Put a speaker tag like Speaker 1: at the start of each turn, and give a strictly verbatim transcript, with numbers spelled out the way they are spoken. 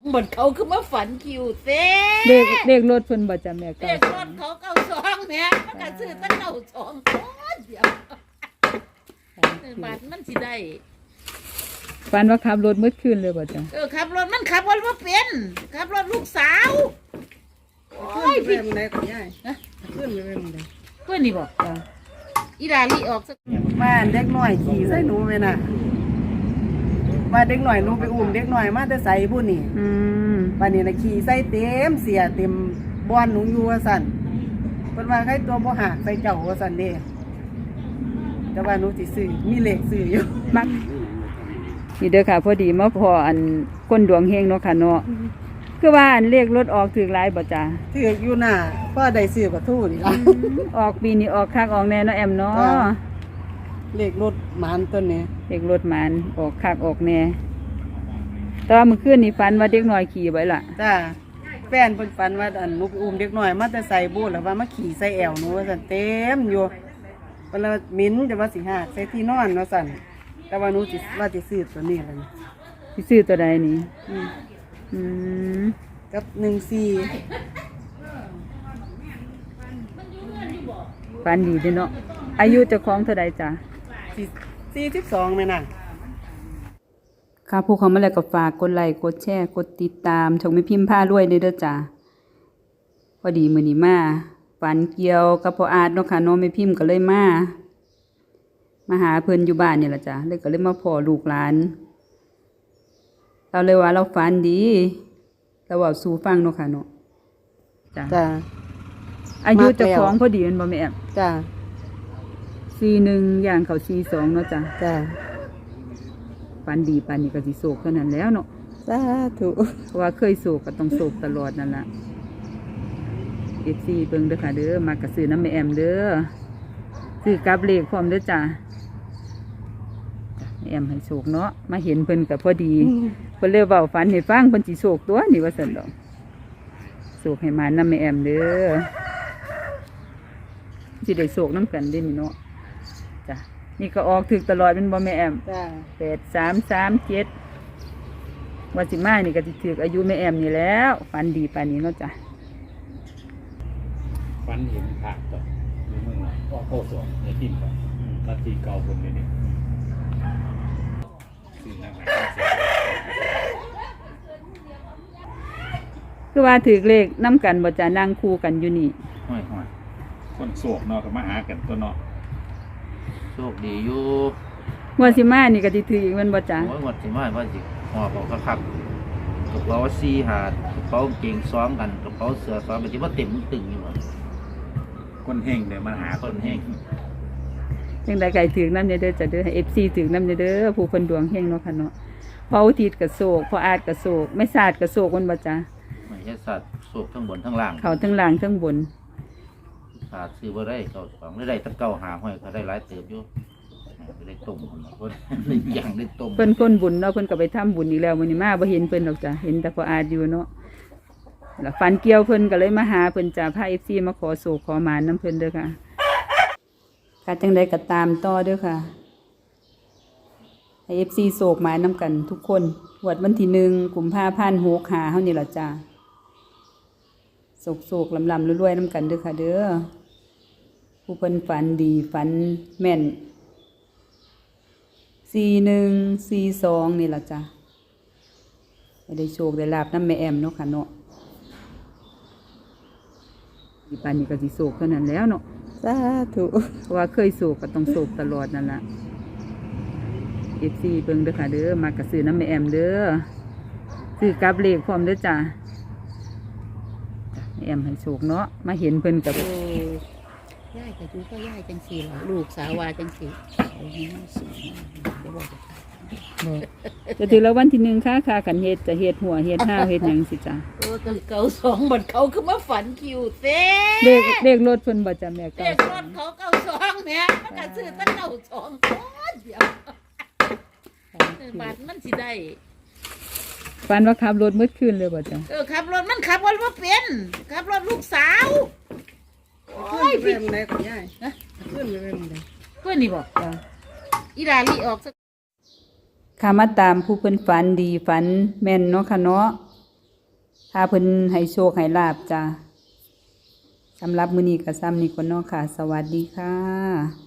Speaker 1: บนเขาคือมาฝันคิวเต้
Speaker 2: เด็กเด็กรถเพิ่นบ่จ้ะแม่
Speaker 1: เด็กรถเขาเก้าสองแม่มันก็ซื้อตั้งเก้าสองโอ้ยเดี๋ยวบาทมันสิได้
Speaker 2: ฝันว่าขับรถมืดคืนเลยบ่จ้ะ
Speaker 1: เออขับรถมันขับรถว่าเป็นขับรถลูกสาว
Speaker 3: โอ้ยพี่มันได้ก็ย่ายฮะขึ้นไปเป็นมันได้
Speaker 1: เพื่อนนี่บอกอีดาลีออกสัก
Speaker 3: บ้านเด็กน้อยขี่ใส่หนูไปน่ะมาเด็กหน่อยหนูไปอุ้มเด็กหน่อยมาแต่ใส่บุญนี่
Speaker 2: อืม
Speaker 3: บ้านนี้น่ะขี่ใส่เต็มเสียเต็มบอนหนูอยู่ว่าสั่นเพิ่นว่าใครตัวบ่หักใส่เจ้าว่าสั่นเด้แต่ว่าหนูสิซื้อมีเลขซื้ออยู่
Speaker 2: มักนี่เด้อค่ะพอดีมาพออันก้นดวงเฮงเนาะค่ะเนาะคือว่าอันเลขรถออกถึงหลายบ่จ้ะ
Speaker 3: ถืออยู่น่ะพ่อได้ซื้อกับทู่นี่ล่ะ
Speaker 2: ออกปีนี้ออกคักออกแน่เนาะแอมเนาะ
Speaker 3: เลขรถหมานต้นนี้
Speaker 2: เลขรถหมานออกคักออกแน่แต่ว่าเมื่อคืนนี่ฝันว่าเด็กน้อยขี่ไว้ล่ะ
Speaker 3: จ้าแฟนเพิ่นฝันว่าอันหนูไปอุ้มเด็กน้อยมาแต่ใส่บูทแล้วว่ามาขี่ใส่แอวหนูว่าซั่นเต็มอยู่เพิ่นว่ามิ้นจะว่าสิหากใส่ที่นอนว่าซั่นแต่ว่าหนูสิว่าสิซื้อตัวนี้ล่ะนี่
Speaker 2: สิซื้อตัวใดนี่อืมอืม
Speaker 3: กับหนึ่งสี่
Speaker 2: ฝันดีเด้เนาะอายุเจ้าของเท่าใดจ้ะ
Speaker 3: สี่สิบสองแม่น่ะ
Speaker 2: ค่ะผู้เขามาแล้วก็ฝากกดไลค์กดแชร์กดติดตามช่องแม่พิมพ์พารวยเด้อจ้ะพอดีมื้อนี้มาฝันเกี่ยวกับพ่ออาร์ตเนาะค่ะน้องแม่พิมพ์ก็เลยมามาหาเพิ่นอยู่บ้านนี่ล่ะจ้ะเลยก็เลยมาพ้อลูกหลานเราเลยว่าเราฝันดีเราเว้าสู่ฟังเนาะค่ะเนาะจ้ะ
Speaker 3: จ้ะ
Speaker 2: อายุเจ้าของพอดีแม่นบ่แม่แอม
Speaker 3: จ้ะ
Speaker 2: สี่สิบเอ็ดอย่างเข้าสี่สิบสองเนาะจ้ะ
Speaker 3: จ้ะ
Speaker 2: ฝันดีปานนี้ก็สิโศกเท่านั้นแล้วเนาะ
Speaker 3: สาธุ
Speaker 2: เพราะว่าเคยโศกก็ต้องโศกตลอดนั่นล่ะ เอฟ ซี เบิ่งเด้อค่ะเด้อมากระซื้อน้ำแม่แอมเด้อซื้อกับเลขพร้อมเด้อจ้ะแม่แอมให้โศกเนาะมาเห็นเพิ่นก็พอดีเพิ่นเลยเว้าฝันให้ฟังเพิ่นสิโศกตัวนี่ว่าซั่นดอกโศกให้มาน้ำแม่แอมเด้อสิได้โศกน้ำกันเด้นี่เนาะจ้ะนี่ก็ออกถึกตลอดเป็นบ่แม่แอมแปดสามสามเจ็ดวันสิมานี่ก็สิถึกอายุแม่แอมนี่แล้วฝันดีปานนี้เนาะจ้ะ
Speaker 4: ฝันเห็นขาดต่อในเมืองก็โคสองในทิมก่อนนาทีเก่าคนนี้นี่คือนักหนา
Speaker 2: คือว่าถือเลขน้ำกันบ่จะนั่งคู่กันอยู่นี่
Speaker 4: ห้อยห้อยคนโศกเนาะก็มาหากันตัวเนาะ
Speaker 5: โชคดีอยู่
Speaker 2: วันสิมานี่ก็สิถืออีกมันบ่จ้ะ
Speaker 5: โอ้ยวันสิมาว่าสิหอบเอาคักๆกระเป๋าสี่หาดกระเป๋าเก่งซ้อมกันกระเป๋าเสือซ้อมมันสิว่าเต็มตึงอยู่หมด
Speaker 4: คนเฮงเดี๋ยวมาหาคนเฮง
Speaker 2: จังได๋ไก่ถือน้ำเด้อจ้ะเด้อให้ เอฟ ซี ถือน้ำเด้อผู้เพิ่นดวงเฮงเนาะค่ะเนาะพออุทิศก็โศกพออาจก็โศกไม่ศาสตร์ก็โศกมันบ่จ้ะ
Speaker 5: ไม่ใช่สัตว์โศกทั้งบนทั้งล่าง
Speaker 2: เขาทั้งล่างทั้งบน
Speaker 5: ศาสตร์ซื้อบ่ได้เก่าสองได้ได้ตั้งเก่าหาห้อยเขาได้หลายเติบอยู่ได้ต้มคนคนได้ย่างได้ต้ม
Speaker 2: เพิ่นคนบุญเนาะเพิ่นก็ไปทำบุญอีกแล้วมื้อนี้มาบ่เห็นเพิ่นดอกจ้ะเห็นแต่พออาจอยู่เนาะแล้วฝันเกี่ยวเพิ่นก็เลยมาหาเพิ่นจ้ะพา เอฟ ซี มาขอโศกขอหมานนำเพิ่นเด้อค่ะค่ะจังได๋ก็ตามต่อเด้อค่ะให้ เอฟ ซี โศกหมานนำกันทุกคนงวดวันที่หนึ่งกุมภาพันธ์หกห้าเฮานี่ล่ะจ้ะโศกๆลำๆรวยๆนำกันเด้อค่ะเด้อผู้เพิ่นฝันดีฝันแม่นสี่หนึ่งสี่สองนี่ล่ะจ้ะได้โชคได้ลาบน้ำแม่แอมเนาะค่ะเนาะอีปานนี้ก็สิโศกเท่านั้นแล้วเนาะ
Speaker 3: สาธุ
Speaker 2: เพราะว่าเคยโศกก็ต้องโศกตลอดนั่นล่ะ เอฟ ซี เบิ่งเด้อค่ะเด้อมากระซื้อน้ำแม่แอมเด้อซื้อกับเลขพร้อมเด้อจ้ะแม่แอมให้โชคเนาะมาเห็นเพิ่นกับ
Speaker 1: ย่ายกับยูก็ย่ายจังสี่ล่ะลูกสาวว่าจังสี่โอ้ยมันสูงเดี๋ยวบอก
Speaker 2: จะถือแล้ววันที่หนึ่งค่ะค่ะกันเฮ็ดจะเฮ็ดหัวเฮ็ดห้าวเฮ็ดหยังสิจ้ะ
Speaker 1: โอ้ก็เก่าสองบนเขาคือมาฝันคิวเต้
Speaker 2: เลขเลขรถเพิ่นบ่จ้ะแม่
Speaker 1: เก่าเลขรถเขาเก่าสองแม่มันก็ซื้อตั้งเก่าสองโอ้ยเดี๋ยวบาทมันสิได้
Speaker 2: ฝันว่าขับรถมืดคืนเลยบ่จ้ะ
Speaker 1: เออขับรถมันขับรถว่าเป็นขับรถลูกสาว
Speaker 3: โอ้ยพี่มันได้ก็ย่ายฮะขึ้นไปเป็นมันได้
Speaker 1: เพื่อนนี่บอกอีดาลีออกสัก
Speaker 2: ค่ะมาตามผู้เพิ่นฝันดีฝันแม่นเนาะค่ะเนาะถ้าเพิ่นให้โชคให้ลาบจ้ะสำหรับมื้อนี้ก็ซ้ำนี้ก่อนเนาะค่ะ สวัสดีค่ะ